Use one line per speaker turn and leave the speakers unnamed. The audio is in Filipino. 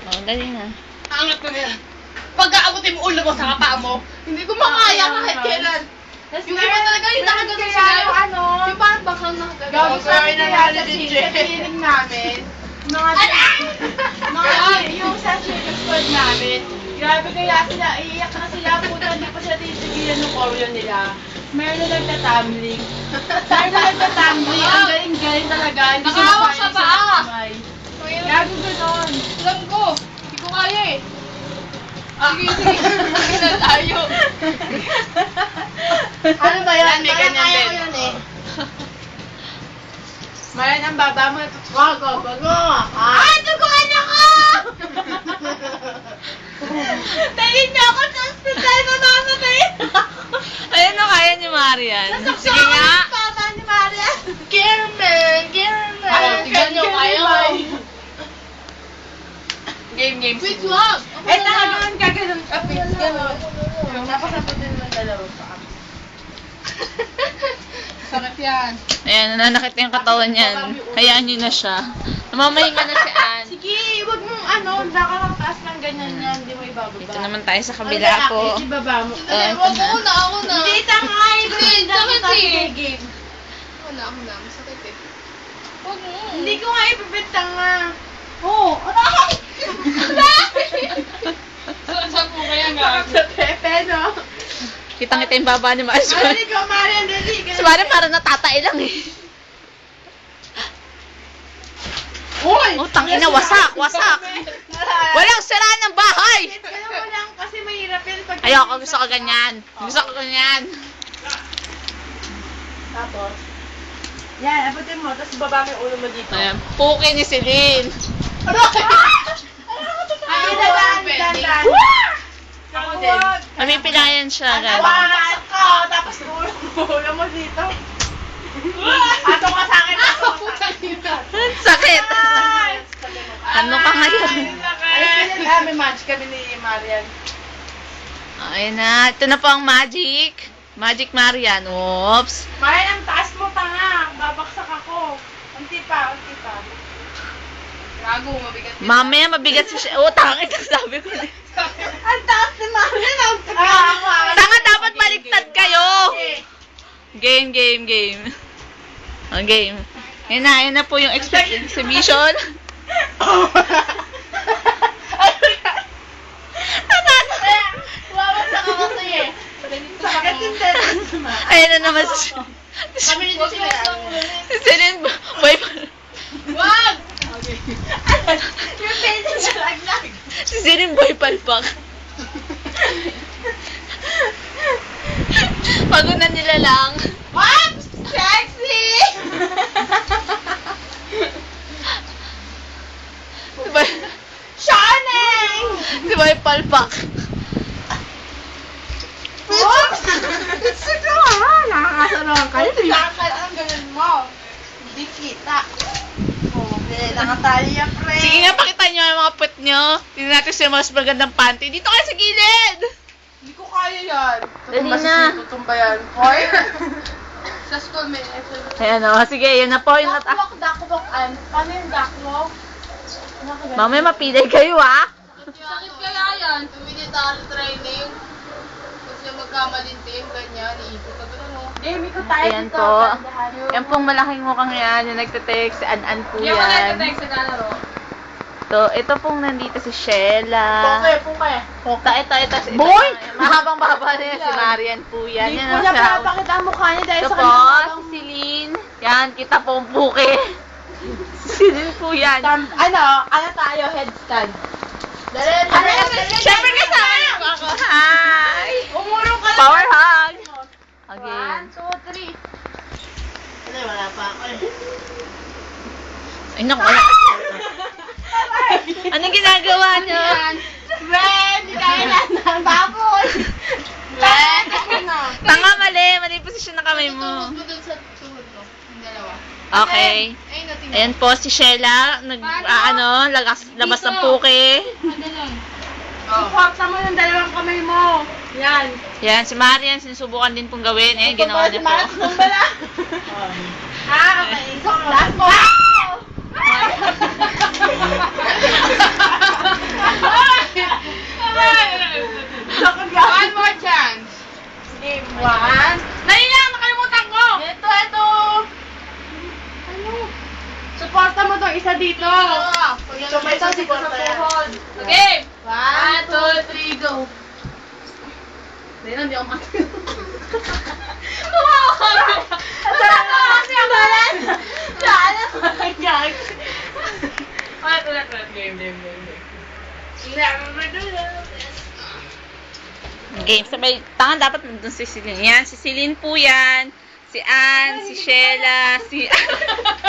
Oh, dali na.
Angat ko na yan. Pag-aabutin mo ulo mo sa kapaa mo, hindi ko makaya kahit kailan. Yung iba talaga yung nakagano sila. Yung parang bakang nakagano.
Gabi sa akin na feeling namin. Yung sa circus squad namin, grabe kaya sila, iiyak na sila, puta, hindi pa sila titigilan ng choreo nila. Meron na nagtatumbling. Ang galing-galing talaga. Hindi sila
Nakahawak
kaya
sa paa.
sabay. Gago ganon.
Alam ko, hindi ko kaya eh. Sige. Tayo.
Ano ba yan?
May ganyan
Kaya ko
din.
yun eh. Mayan ang baba mo, go. Ay, tuguan ako! Tayin niyo ako sa hospital, mamamatayin ako!
Ayan na, kaya ni Marian. Sige nga.
Papa ni Maria.
German. Tignan nyo, kaya mo. Game. Wait, wag.
Eh, talagang gaganon ka, fix, ganon. Tapos naputin mo ng dalawang pa.
Sakit yan.
Ayan, nananakit yung katawan niyan. Hayaan niyo na siya. Namamahinga na si Ann.
Sige, wag mong lang taas ng ganyan yan, hindi mo ibababa.
Dito naman tayo sa kabila po.
Ibaba mo.
Wag mo na, ako na.
Hindi, tangay!
Sakit eh.
Game.
Ako na. Masakit eh. Wag mo.
Hindi ko nga ipipintang nga. Oo. Aray!
Saan po kaya
Sakap sa pepe, no?
Kitang-kita yung baba ni Marian.
Dali ko, Marian, dali.
Si Marian parang natatay lang eh.
Uy!
Oh, tangina, wasak. Walang sira ng bahay!
Kaya mo lang kasi mahirap yun pag...
Ayoko, gusto ko ganyan.
Tapos? Yan, abutin mo, tapos baba mo yung ulo mo dito.
Ayan, puki ni Celine.
Ay, dandan. Ako din.
Mamipilayan siya, guys.
Hawakan ko, tapos ulo mo dito. Ato ka sa akin, ato ka sa akin.
Sakit! Ano ka ngayon?
Ay, may match kami ni Marian.
Ayan na, ito na po ang magic. Magic Marian. Oops.
Marian, ang taas mo, tanga. Babaksak ako. Unti pa.
Gago, mabigat yun.
Mamaya mabigat siya. Oh, tangit ang sabi ko.
Ang taas ni Marian.
Tanga, dapat baliktad kayo. Game. Oh, game. Yan na po yung exhibition.
Wawasak ako sa'yo eh. Sakit yung tetanus mo.
Ayan na naman si
Kami nito sila.
Celine. Boy,
Wag!
Yung penis na laglag.
si Celine Boy Palpak. Pagunan nila lang.
What? Sexy! Shining!
Si Boy Palpak.
Oops! Sige ha! Nakakasaroon ka. Lakad ang ganun mo. Hindi kita. Oh, nakatali yan, pre.
Sige nga, pakita nyo ang mga puwet nyo. Tingnan natin sa mas magandang panty. Dito kayo sa gilid!
Hindi ko kaya yan.
Dali na.
Tutumba yan. Hoy!
Sa school may
Ayan o, sige, yan na po. Yung
Dakwak. Paano yung dakwak?
Mamaya mapilay kayo, ha?
Sakit kaya yan. Military training. Kasi magkamalinting, ganyan, iikot ka doon, no?
Game ko tayo
Ayan
dito.
po.
Dahan.
Yan pong malaking mukhang yan. Yung nagte-text, si An-An po yan.
sa galaro.
Ito pong nandito si Sheila.
Pungke.
Ito.
Boy!
Mahabang baba na yan. Si Marian po yan.
Hindi
Yan
ko
ang
na
siya.
pinapakita ang mukha niya dahil
Ito
sa
po,
kanyang
si Celine. Yan, kita po ang puke. Celine po yan.
Ano tayo, headstand. Dali.
Siyempre kasama niyo po ako. Hi!
Umurong ka lang.
Power hug! Again.
1, 2, 3. Wala pa ako eh.
Ay, naku, wala. Anong ginagawa niyo?
Ren, kailan ng baboy. Ren,
Tanga, mali posisyon ng kamay mo.
Tuhod mo dun sa tuhod mo. Yung dalawa.
Okay.
Ay, natin.
Ayan po si Sheila, labas ng puke.
Ganun.
Ipakta mo ng dalawang kamay mo. Yan.
Yan, si Marian, sinusubukan din pong gawin. Ayan, ginawa niya po.
Okay. Last mo. dito.
Sabay sa dito sa puhod.
Okay.
1, 2, 3, go. Hindi ako mati.
Kasi ang balan! Ulit. Game.
Game. Sabay, tangan dapat nandun si Celine. Yan, si Celine po yan. Si Ann, si Sheila, si...